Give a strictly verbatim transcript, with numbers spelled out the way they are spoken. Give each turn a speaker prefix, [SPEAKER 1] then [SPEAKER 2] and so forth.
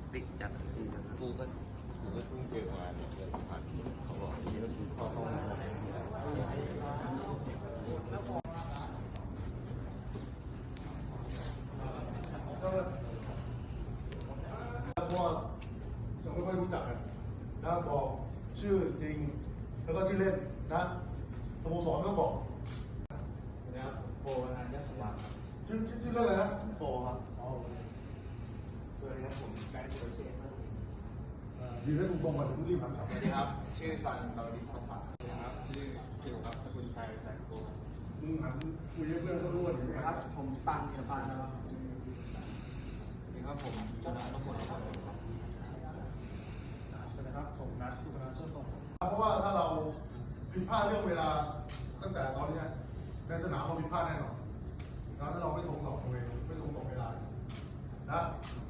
[SPEAKER 1] ติดจัดทีนะกูก็กูก็เพิ่งเจอมาเนี่ยเลยผ่านเขาบอกที่ก็คือข้อข้อมูล
[SPEAKER 2] เพราะว่ายังไม่ค่อยรู้จักกันนะบอกชื่อจริงแล้วก็ชื่อเล่นนะสโมสรก็บอก
[SPEAKER 1] นะครับโบราณยักษ์สว่าง
[SPEAKER 2] ชื่อชื่อเล่นอะไรนะ
[SPEAKER 1] โบครับ
[SPEAKER 2] อ๋อ
[SPEAKER 1] สวัสดีครับผมไกด์โปรเจกต์ครับ
[SPEAKER 2] ดีได้ถูกตรงก่อนถึงรีบถาม
[SPEAKER 1] สวัสดีครับชื่อซันเราดิพัฒน์นะครับชื่อคิวครับสกุลชัยแสงโก
[SPEAKER 2] มึงหันคุยให้เพื่อนเขารู้ว่าอย่างไร
[SPEAKER 1] ครับผมปังเกียรติปันนะครับสวัสดีครับผมจนะต้องคนครับสวัสดีครับผมนัทสุพนัทเชื่อส่ง
[SPEAKER 2] เพราะว่าถ้าเราผิดพลาดเรื่องเวลาตั้งแต่ตอนนี้ในสนามเราผิดพลาดแน่นอนถ้าเราไม่ตรงต่อเวลาไม่ตรงต่อเวลานะ